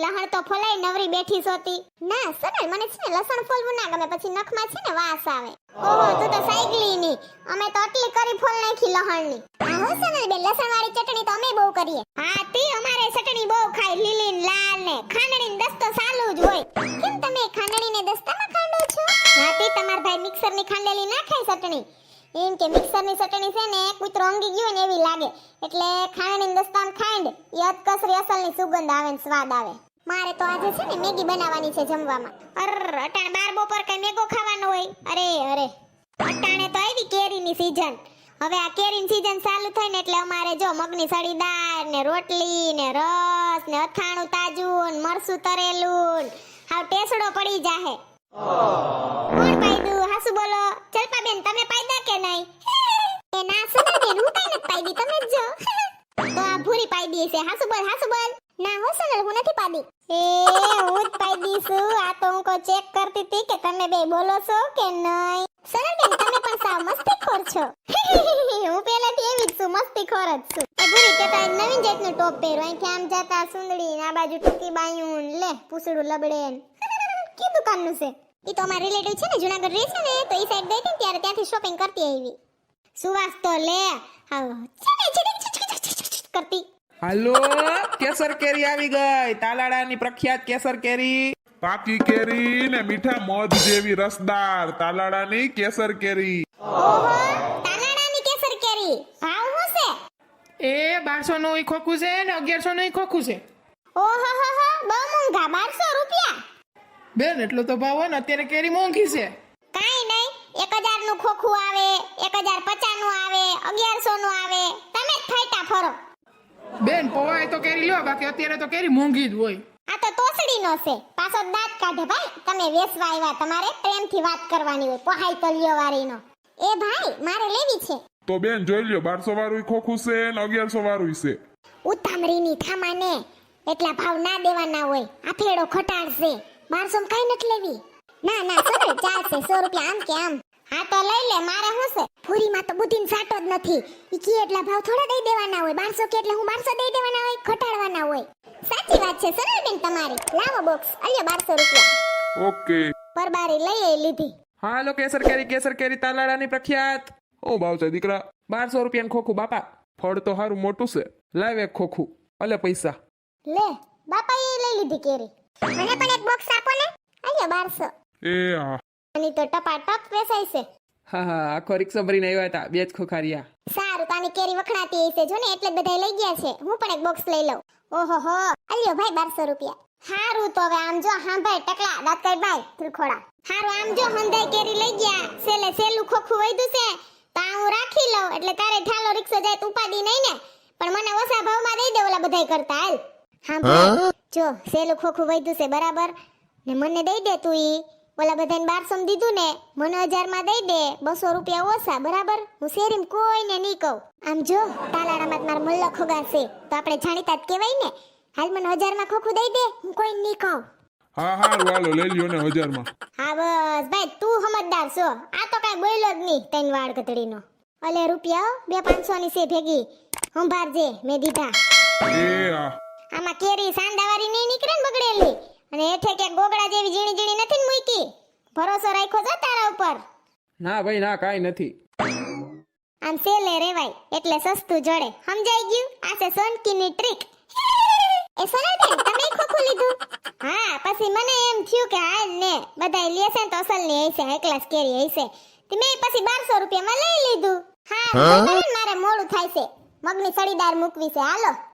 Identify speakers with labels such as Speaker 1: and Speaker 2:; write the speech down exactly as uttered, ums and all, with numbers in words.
Speaker 1: લહણ તો ફોલાઈ નવરી બેઠી સોતી. ના સોનલ, મને છે ને લસણ ફોલવું ના ગમે, પછી નખમાં છે ને વાસ આવે. ઓહો, તું તો સાયકલી ની, અમે તો આટલી કરી ફોલ નાખી લહણની. હા હો સોનલ બેન, લસણ વાળી ચટણી તો અમે બહુ કરીએ. હા તી અમારે ચટણી બહુ ખાય, લીલી ને લાલ ને ખાંડણી ને દસ્તો ચાલુ જ હોય. કેમ તમે ખાંડણી ને દસ્તામાં ખાંડો છો? હા તી તમાર ભાઈ મિક્સર ની ખાંડેલી ના ખાય ચટણી. એમ કે મિક્સર ની ચટણી છે ને કૂતરો અંગી ગયો ને એવી લાગે, એટલે ખાંડણી ને દસ્તામાં ખાંડ એ અતકસરી અસલ ની સુગંધ આવે ને સ્વાદ આવે. મારે તો આજે છે ને મેગી બનાવવાની છે જમવામાં. અર અટાણે બાર બપોર કઈ મેગો ખાવાનો હોય? અરે અરે, અટાણે તો આવી કેરીની સીઝન. હવે આ કેરીની સીઝન ચાલુ થાય ને એટલે અમારે જો મગની સળી દાળ ને રોટલી ને રસ ને અથાણું તાજું ને મરસું તરેલું હાવ ટેસડો પડી જાહે. કોણ પાયદું? હાસુ બોલો. ચલપા બેન તમે પાયદા કે નહીં? એ ના સુના બેન, હું કઈ નથી પાયદી, તમે જ જો. તો આ ભૂરી પાયદી છે. હાસુ બોલ, હાસુ બોલ. ના હો સોનલ, હું નથી પાડી. એ હું જ પાડી છું. આ તો હું કો ચેક કરતી હતી કે તમે બે બોલો છો કે નહીં. સોનલ બેન તમે પણ સાવ મસ્તીખોર છો. હું પહેલાથી એવી જ છું, મસ્તીખોર જ છું. એ ભૂરી કેતા નવીન જાતનો ટોપ પહેરો, અહીંથી આમ જતા સુંદડી ને આ બાજુ ટૂંકી બાયું લે પૂછડું લબડે. કી દુકાનનું છે? ઈ તો અમારા રિલેટિવ છે ને જુનાગઢ રહે છે ને, તો ઈ સાઈડ ગઈ હતી ત્યારે ત્યાંથી શોપિંગ કરતી આવી. સુવાસ તો લે આવ કરતી.
Speaker 2: હાલો, કેસર કેરી આવી ગઈ. તાલાડાની પ્રખ્યાત કેસર કેરી.
Speaker 3: પાકી કેરી ને મીઠા મધ જેવી રસદાર તાલાડાની કેસર કેરી.
Speaker 1: ઓહો, તાલાડાની કેસર કેરી ભાવ શું છે?
Speaker 4: એ બારસો નું ઈ ખોખું છે ને અગિયારસો નું ઈ ખોખું છે.
Speaker 1: ઓહો હો હો, બહુ મોંઘા, બારસો રૂપિયા.
Speaker 4: બેન એટલો તો ભાવ હોય ને, અત્યારે કેરી મોંઘી છે.
Speaker 1: કાઈ નહીં, એક હજાર નું ખોખું આવે, એક હજાર પચાસ નું આવે, અગિયારસો નું આવે. તમે જ ફાયટા ફરો.
Speaker 4: બેન પવાય તો કેરી લ્યો, બાકી અત્યારે તો કેરી મોંઘી જ હોય.
Speaker 1: આ તો તોસડી નો છે, પાછો દાંત કાઢે. ભાઈ તમે વેસવા આવ્યા, તમારે પ્રેમથી વાત કરવાની હોય, પહાઈ તલિયો વાળીનો. એ ભાઈ મારે લેવી છે.
Speaker 3: તો બેન જોઈ લ્યો, બારસો વાળું ખોખું છે ને અગિયારસો વાળું છે.
Speaker 1: ઉતામળીની થામાને એટલા ભાવ ના દેવાના હોય. આ ફેડો ખટાડશે. બારસો માં કઈ નથી લેવી. ના ના સોનલ ચાલશે, સો રૂપિયા આમ કે આમ. હા તો લઈ લે, મારે શું છે? પૂરીમાં તો બુદ્ધિન સાટો જ નથી. ઈ કી એટલા ભાવ થોડા દઈ દેવાના હોય. બારસો કે એટલે હું બારસો દઈ દેવાના હોય, ખટાડવાના હોય. સાચી વાત છે સોનલ બેન તમારી. લાવો બોક્સ, અલ્યો બારસો રૂપિયા.
Speaker 3: ઓકે.
Speaker 1: પરબારી લઈ લીધી.
Speaker 2: હાલો, કેસર કેરી કેસર કેરી તાલાડાની પ્રખ્યાત.
Speaker 3: ઓ ભાવ છે દીકરા?
Speaker 2: બારસો રૂપિયાનું ખોખું બાપા.
Speaker 3: ફળ તો હારું મોટું છે.
Speaker 2: લાવ એક ખોખું, અલે પૈસા.
Speaker 1: લે બાપા એ લઈ લીધી કેરી. મને પણ એક બોક્સ આપો ને. અલ્યો બારસો.
Speaker 3: એ હા.
Speaker 1: આની તો ટપાટપ વેચાય છે.
Speaker 2: હા હા, આખો રિક્ષા ભરીને આવ્યા હતા, બે જ ખોખા રહ્યા.
Speaker 1: સારું, તાની કેરી વખણાતી હશે જો ને, એટલે બધા લઈ ગયા છે. હું પણ એક બોક્સ લઈ લઉં. ઓહો હો, અલ્યો ભાઈ બારસો રૂપિયા. હારું તો હવે આમ જો, હા ભાઈ ટકલા દાતકાઈ ભાઈ ત્રિખોડા. હારું આમ જો, હંધાઈ કેરી લઈ ગયા. સેલે સેલું ખોખું વૈધું છે, તો આ હું રાખી લઉં, એટલે તારે ઠાલો રિક્ષા જાય તો ઉપાડી નહીં ને. પણ મને ઓછા ભાવમાં દઈ દે ઓલા બધાય કરતા. હાલ હા ભાઈ જો, સેલું ખોખું વૈધું છે બરાબર ને, મને દઈ દે તું. ઈ ઓલા બધાને બારસો માં દીધું ને, મને હજાર માં દઈ દે. બસો રૂપિયા ઓછા બરાબર. હું શેરીમ કોઈને નહીં કહું. આમ જો તાલાડામાં માર મલ્લો ખોગા છે, તો આપણે જાણીતા જ કહેવાય ને. હાલ મને હજાર માં ખોખું દઈ દે, હું કોઈ નહીં કહું.
Speaker 3: હા હારું હાલો લઈ લ્યો ને હજાર માં.
Speaker 1: હા બસ ભાઈ, તું સમજદાર છો. આ તો કઈ બોલ્યો જ નહીં તૈન વાળ કતડીનો. અલે રૂપિયા બે પાંચસો ની છે ભેગી, સંભાળજે મેં દીધા.
Speaker 3: એ હા.
Speaker 1: આમાં કેરી સાંડાવાળી નહીં નીકળે ને બગડેલી, અને હેઠે કે ગોગડા જેવી ઝીણી ઝીણી નથી ને મૂકી. ભરોસો રાખ્યો છે તારા ઉપર?
Speaker 2: ના ભાઈ ના, કાઈ નથી.
Speaker 1: આમ સેલે રેવાય એટલે સસ્તું જડે, સમજાઈ ગયું? આ છે સોનકીની ટ્રીક. એ સોનલ બેન તમે ખોખું લીધું? હા, પછી મને એમ થયું કે હાલ ને બધાય લે છે ને તો અસલ ની હશે, હાઈ ક્લાસ કેરી હશે. તે મેં પછી બારસો રૂપિયા માં લઈ લીધું. હા મારે મોડું થાય છે, મગની સળીદાર મૂકવી છે. હાલો.